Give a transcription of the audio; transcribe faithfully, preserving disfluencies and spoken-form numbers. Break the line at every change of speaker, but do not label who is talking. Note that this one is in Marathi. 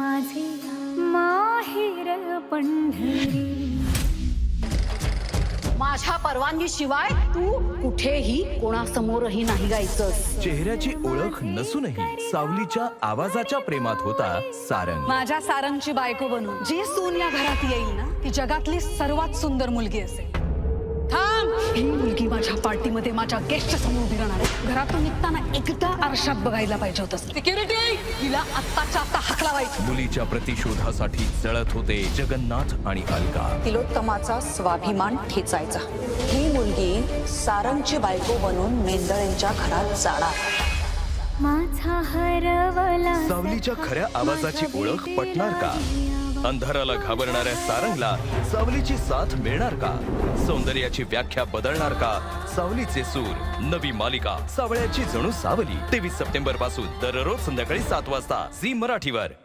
माझे माहेर पंढरी.
माझ्या परवानगी शिवाय तू कुठेही कोणासमोरही नाही गायचंस.
चेहऱ्याची ओळख नसूनही सावलीच्या आवाजाच्या प्रेमात होता सारंग.
माझ्या सारंगची बायको बनून जी सून या घरात येईल ना ती जगातली सर्वात सुंदर मुलगी असेल. थांब, ही मुलगी माझ्या पार्टीमध्ये माझ्या गेस्ट समोर उभी राहणार आहे. घरातून निघताना एकदा आरशात बघायला पाहिजे होतं. सिक्युरिटी, हिला आत्ताच्या आत्ता हाकलावायचं.
मुलीच्या प्रतिशोधासाठी जळत होते जगन्नाथ आणि अलका.
तिलोत्तमाचा स्वाभिमान ठेचायचा. ही मुलगी सारंगची बायको बनून मेंदळेंच्या घरात जाणार.
माझा हरवला
सावलीच्या खऱ्या आवाजाची ओळख पटणार का? अंधाराला घाबरणाऱ्या सारंगला सावलीची साथ मिळणार का? सौंदर्याची व्याख्या बदलणार का सावलीचे सूर? नवी मालिका सावळ्याची जणू सावली तेवीस सप्टेंबर पासून दररोज संध्याकाळी सात वाजता झी मराठीवर.